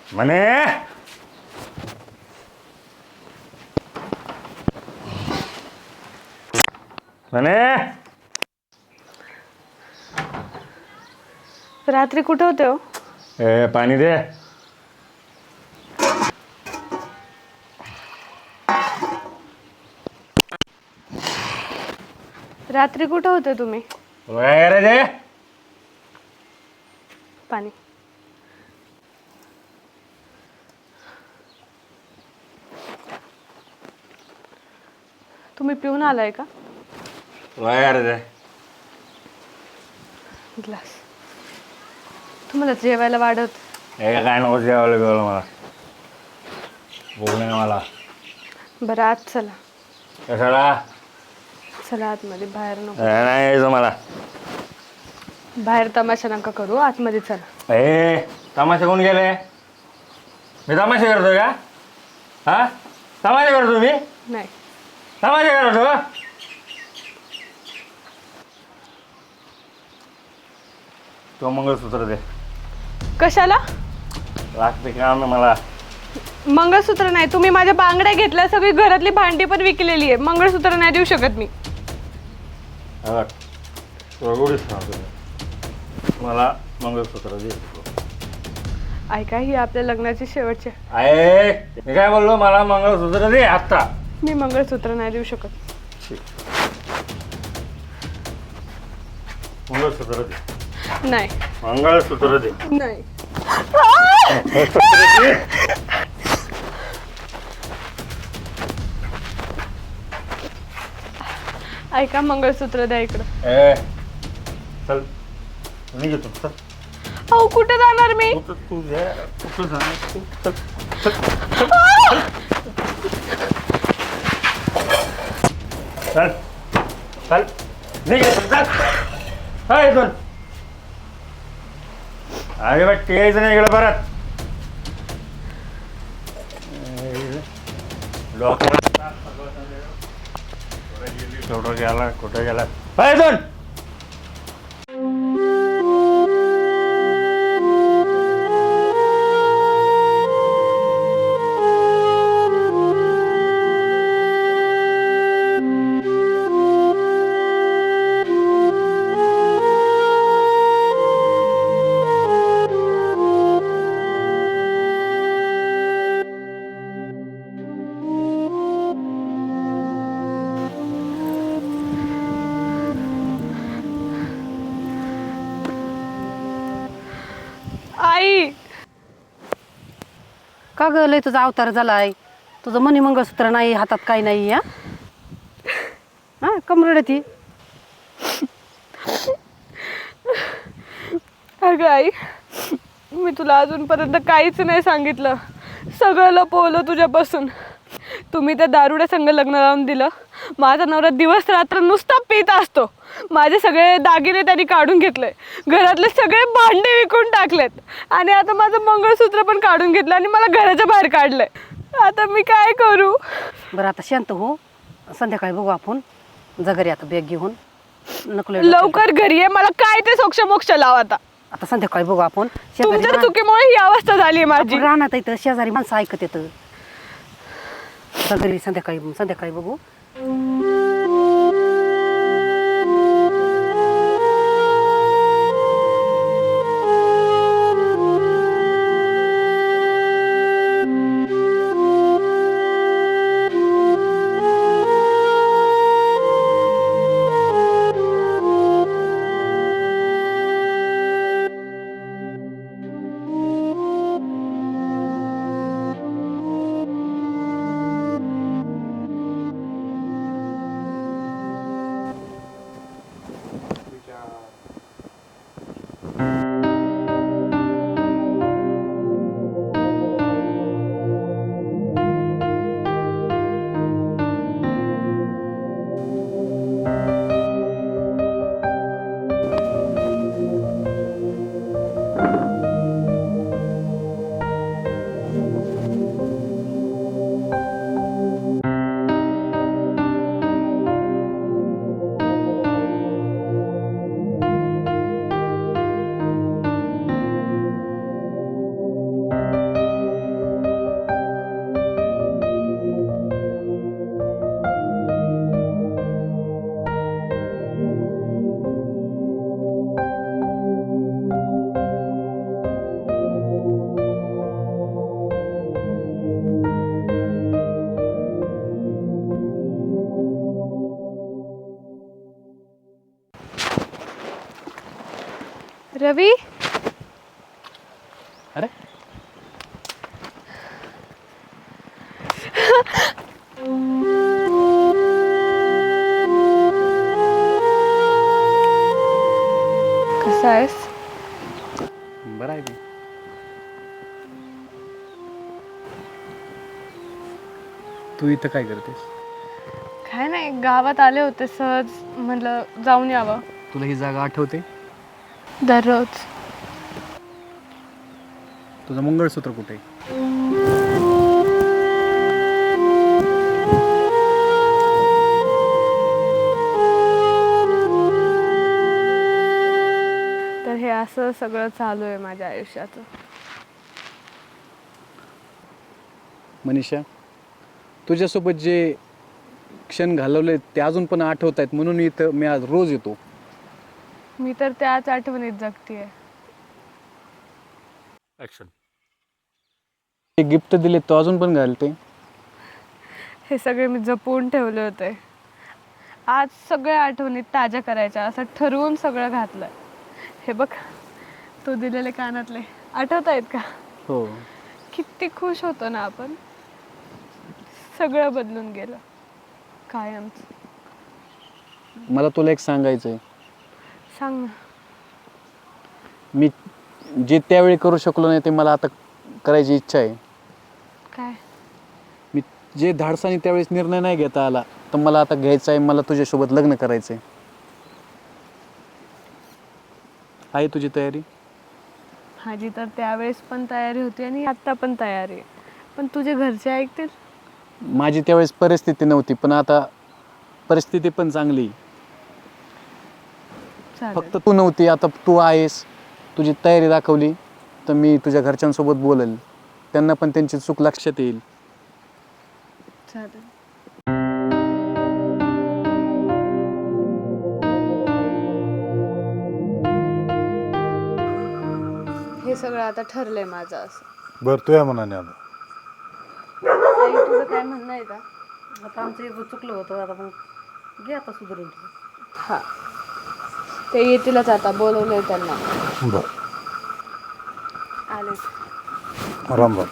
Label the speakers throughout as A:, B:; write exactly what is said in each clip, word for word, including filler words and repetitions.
A: म्हणे म्हणे
B: रात्री कुठे होते हो?
A: ए पाणी दे.
B: रात्री कुठे होते तुम्ही?
A: काय करायचे?
B: पाणी. तुम्ही पिऊन आलाय का?
A: काय करायचे?
B: ग्लास. तुम्हाला जेवायला वाढत.
A: हे काय नको जेवायला बिवायला मला. भूक नाही मला.
B: बरं आत चला.
A: कशाला?
B: चला आतमध्ये, बाहेर नको.
A: हे नाही यायचं मला.
B: बाहेर तमाशा नका करू, आतमध्ये चला.
A: ए तमाशा कोण गेले? मी तमाशा करतो का? हा तमाशा करतो मी?
B: नाही.
A: तमाशा करतो? तो मंगळसूत्र दे.
B: कशाला?
A: लागते काम आहे मला.
B: मंगळसूत्र नाही, तुम्ही माझ्या बांगड्या घेतल्या, सगळी घरातली भांडी पण विकलेली आहे. मंगळसूत्र नाही देऊ शकत मी.
A: मला मंगळसूत्र दे.
B: ऐका, ही आपल्या लग्नाची शेवटची.
A: आहे मी काय बोललो, मला मंगळसूत्र दे आत्ता.
B: मी मंगळसूत्र नाही देऊ शकत.
A: मंगळसूत्र दे.
B: नाही.
A: मंगळसूत्र दे.
B: नाही. ऐका, मंगळसूत्र द्या इकडं.
A: ए चल मी घेतो. चल
B: अहो कुठे जाणार मी?
A: तू तू दे. तू जाणार तू. चल चल चल चल नाही घेतो. चल हाय चल. अरे बा यायचं नाही इकडं परत. कुठं गेला कुठं गेला हाय चल.
B: आई.
C: का ग लय तुझा अवतार झालाय? तुझं मनी मंगळसूत्र नाही, हातात काही नाही. या हा कमरड ती.
B: अगं आई, मी तुला अजूनपर्यंत काहीच नाही सांगितलं. सगळं लपवलं तुझ्यापासून. तुम्ही त्या दारुड्या संग लग्न लावून दिलं. माझा नवरा दिवस रात्र नुसता पित असतो. माझे सगळे दागिने त्यांनी काढून घेतले, घरातले सगळे भांडे विकून टाकलेत, आणि आता माझं मंगळसूत्र पण काढून घेतलं आणि मला घराच्या बाहेर काढलंय. आता मी काय करू?
C: बरं आता शांत हो, संध्याकाळी बघू आपण. जा घरी आता बॅग घेऊन. नको लय
B: लवकर घरी आहे, मला काय ते सोक्ष मोक्ष लाव. आता
C: आता संध्याकाळी बघू आपण.
B: तुमच्या चुकीमुळे ही अवस्था झाली माझी.
C: राहणार इथं शेजारी माणसं ऐकत येतं. जा घरी, संध्याकाळी संध्याकाळी बघू.
B: रवी
D: अरे
B: कसा आहेस?
D: बरं आहे मी. तू इथं काय करतेस?
B: काय नाही, गावात आले होते सहज, म्हटलं जाऊन यावं.
D: तुला ही जागा आठवते?
B: दररोज.
D: तुझं मंगळसूत्र कुठे आहे?
B: तर हे असं सगळं चालू आहे माझ्या आयुष्याचं.
D: मनीषा, तुझ्यासोबत जे क्षण घालवले ते अजून पण आठवत आहेत म्हणून इथं मी आज रोज येतो.
B: मी तर त्याच आठवणीत जगतीये.
A: ॲक्शन.
D: ते गिफ्ट दिले तो अजून पण घालते.
B: हे सगळे मी जपून ठेवले होते. आज सगळ्या आठवणीत ताज्या करायच्या असं ठरवून सगळं घातलंय. हे बघ, तू दिलेले कानातले आठवत आहेत का?
D: हो.
B: किती खुश होतो ना आपण. सगळं बदलून गेलं कायमच.
D: मला तुला एक सांगायचं आहे.
B: सांग ना.
D: मी जे त्यावेळी करू शकलो नाही ते मला आता करायची इच्छा आहे.
B: काय?
D: मी जे धाडसाने त्यावेळेस निर्णय नाही घेता आला तर मला आता घ्यायचं आहे. मला तुझ्यासोबत लग्न करायचं आहे. आहे तुझी तयारी?
B: माझी तर त्यावेळेस पण तयारी होती आणि आत्ता पण तयारी आहे. पण तुझे घरचे ऐकतील?
D: माझी त्यावेळेस परिस्थिती नव्हती पण आता परिस्थिती पण चांगली.
B: चालेल.
D: फक्त तू नव्हती, आता तू आहेस. तुझी तयारी दाखवली तर मी तुझ्या घरच्यांसोबत बोलेल. त्यांना पण त्यांची चूक लक्षात येईल.
B: चालेल. हे सगळं आता ठरलंय माझं असं.
E: बरं तुझ्या मनाने आता
B: आई, तुझं काय म्हणणं आहे का?
C: आता आमचं एक चुकलं होतं, आता मग घे आता सुधारून तुझं.
B: हा, ते येतीलच आता, बोलवलंय त्यांना.
E: बरं.
B: आले.
E: राम राम.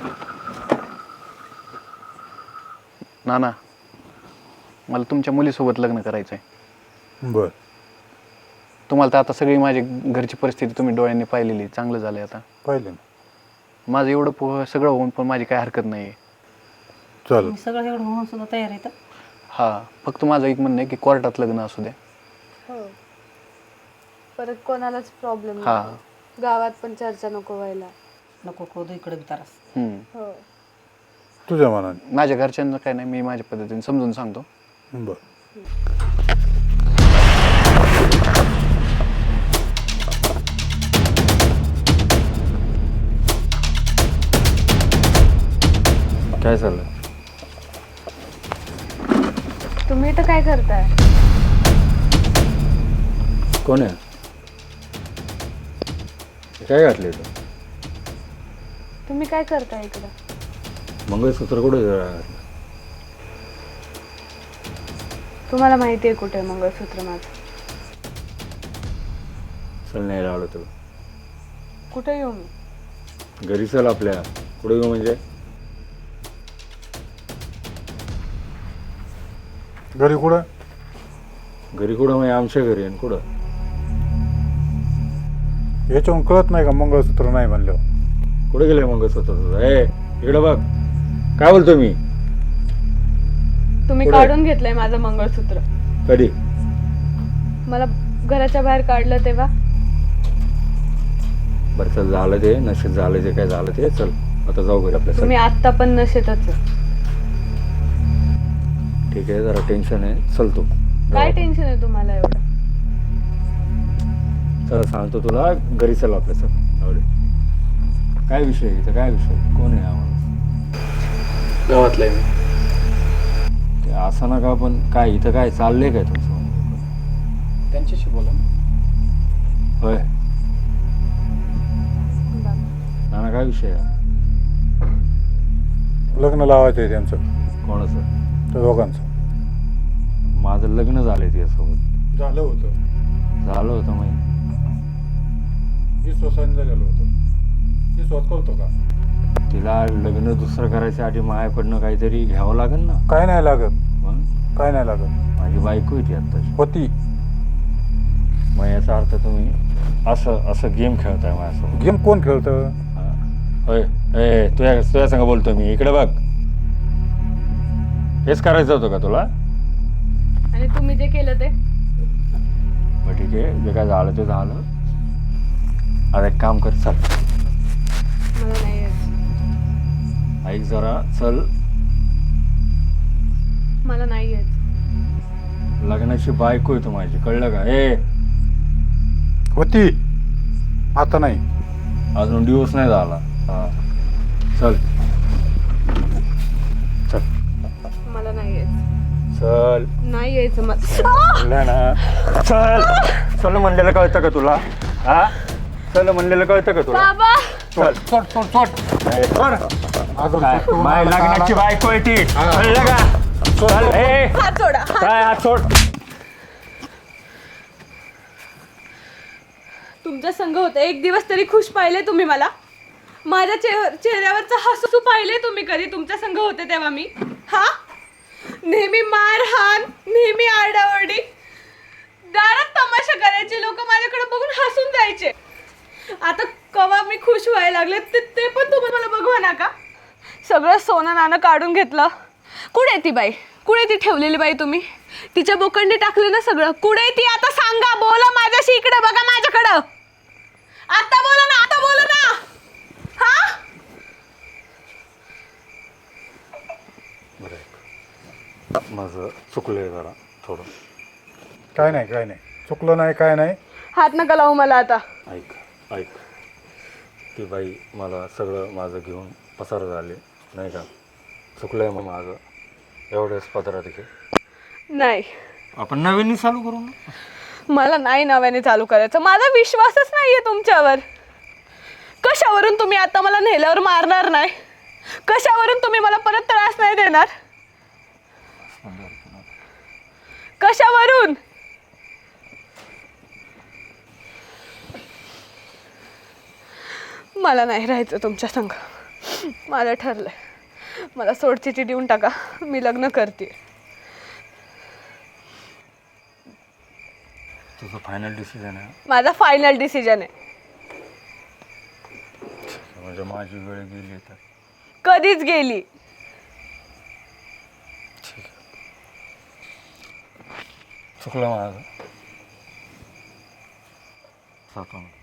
D: नाना, मला तुमच्या मुलीसोबत लग्न करायचं आहे.
E: बरं.
D: तुम्हाला तर आता सगळी माझी घरची परिस्थिती तुम्ही डोळ्यांनी पाहिलेली. चांगलं झालं आहे आता.
E: पाहिले ना.
D: माझं एवढं पो सगळं होऊन पण माझी काय हरकत नाही आहे.
E: चालेल.
C: मी सगळं एवढं होऊन सुद्धा तयार आहे तर.
D: हां, फक्त माझं एक म्हणणं आहे की कोर्टात लग्न असू द्या.
B: हो, परत कोणालाच प्रॉब्लेम
D: हा.
B: नाही. गावात पण चर्चा नको व्हायला.
C: नको खोदू इकडे बी तारास.
D: हम्म.
B: हो.
E: तुझ्या मनाने.
D: माझ्या घरच्यांना काय नाही, मी माझ्या पद्धतीने समजून सांगतो.
E: बरं.
A: काय चाललं?
B: तुम्ही इथं काय करताय?
A: कोण आहे? हे काय घातले तू?
B: तुम्ही काय करताय इकडं?
A: मंगळसूत्र कुठे घातलं?
B: तुम्हाला माहिती आहे कुठे आहे मंगळसूत्र माझं?
A: चल नाही लावलं तुला.
B: कुठे येऊ मी?
A: घरी चल आपल्या. कुठे येऊ म्हणजे?
E: घरी कुठं?
A: घरी कुठं म्हणजे आमच्या घरी आणि कुठं?
E: याच्याहून कळत नाही का मंगळसूत्र नाही म्हणल्यावर?
A: कुठे गेले मंगळसूत्र तुझं? ए इकडे बघ. काय बोलतो मी?
B: तुम्ही
A: कुठे?
B: काढून घेतलंय माझं मंगळसूत्र.
A: कधी?
B: मला घराच्या बाहेर काढलं तेव्हा.
A: बरं चल, झालं ते नशीब, झालं ते काय झालं ते. चल आता जाऊ घरी आपल्या.
B: तुम्ही आत्ता पण नशेतच आहे.
A: ठीक आहे, जरा टेन्शन आहे. चल तू.
B: काय टेन्शन आहे तुम्हाला एवढं?
A: चल सांगतो तुला, घरी चल आपल्या. चल आवडे. काय विषय आहे इथं? काय विषय? कोण आहे आम्हाला?
D: गावातला आहे मी.
A: ते असं ना का, पण काय इथं काय चाललंय काय तुमचं?
D: त्यांच्याशी बोला ना.
A: होय. नाना काय विषय आहे?
E: लग्न लावायचं आहे त्यांचं,
A: कोणाचं?
E: त्या दोघांचं.
A: माझं लग्न झालंय तिच्यासोबत.
E: झालं होतं.
A: झालं होतं मग.
E: आश्वासन झालेलं होतं ते स्वतः होतं का?
A: तिला लग्न दुसरं करायच्या आधी मायाकडनं काहीतरी घ्यावं लागेल ना.
E: काय नाही लागत,
A: मग
E: काय नाही लागत.
A: माझी बायको होती आत्ताची.
E: होती.
A: मग याचा अर्थ तुम्ही असं असं गेम खेळताय माझ्यासोबत.
E: गेम कोण खेळतं?
A: हा. होय ए तुझ्या तुझ्या संग बोलतो मी. इकडे बघ. हेच करायचं होतं का तुला?
B: आणि तुम्ही जे केलं ते
A: मग ठीक आहे, जे काय झालं ते झालं. आता एक काम कर, चल
B: मला नाही यायचं.
A: ऐक जरा, चल.
B: मला नाही यायचं.
A: लग्नाची बायको आहे तू माझी, कळलं का? ए
E: होती, आता नाही.
A: अजून दिवस नाही झाला. हा चल चल
B: मला नाही यायचं.
A: चल.
B: नाही यायचं मला.
A: म्हणलं ना, चल. चल म्हणलेलं कळतं का तुला? हा चल म्हणलेलं कळतं का तुला?
B: बाबा
A: चल.
E: सोड सोड सोड
A: ए,
E: सोड. अजून
A: काय?
E: तू
A: माझ्या
E: मला-
A: लग्नाची बायको आहे ती, कळलं का? चल. ए
B: हात सोडा. हात-
A: काय हात सोड.
B: तुमच्या संघ होते एक दिवस तरी खुश पाहिले तुम्ही मला? माझ्या चेह- चेहऱ्यावरचं हसू पाहिले तुम्ही कधी तुमच्या संघ होते तेव्हा मी? हा नेहमी मारहाण, नेहमी आरडाओरडी, दारात तमाशा करायचे लोक, माझ्याकडे बघून हसून जायचे. आता कवा मी खुश व्हायला लागले ते ते पण तुम्ही मला बघवा ना का? सगळं सोनं नाणं काढून घेतलं. कुठे ती बाई? कुठे ती ठेवलेली बाई तुम्ही? तिच्या बोकंडी टाकले ना सगळं. कुठे ती? आता सांगा, बोला माझ्याशी. इकडे बघा माझ्याकडं. आता बोला ना, आता बोला ना. हा
A: माझं चुकलंय जरा थोडं.
E: काय नाही, काय नाही, चुकलं नाही, काय नाही.
B: हात नका लावू मला आता.
A: ऐक ऐक ती बाई मला सगळं माझं घेऊन पसार झाले नाही का? चुकलंय मग माझं. एवढ्याच पदरात घे.
B: नाही,
A: आपण नवीन चालू करू ना.
B: मला नाही नव्याने चालू करायचं. माझा विश्वासच नाहीये तुमच्यावर. कशावरून तुम्ही आता मला नेल्यावर मारणार नाही? कशावरून तुम्ही मला परत त्रास नाही देणार? कशावरून? मला नाही राहायचं तुमच्या संग. मला ठरलंय. मला सोडचिठी देऊन टाका. मी लग्न करते.
A: तुझं फायनल डिसिजन आहे?
B: माझा फायनल डिसिजन आहे.
A: म्हणजे माझी वेळ गेली तर
B: कधीच गेली.
A: ठीक आहे, चुकलं माझं. जातो मी.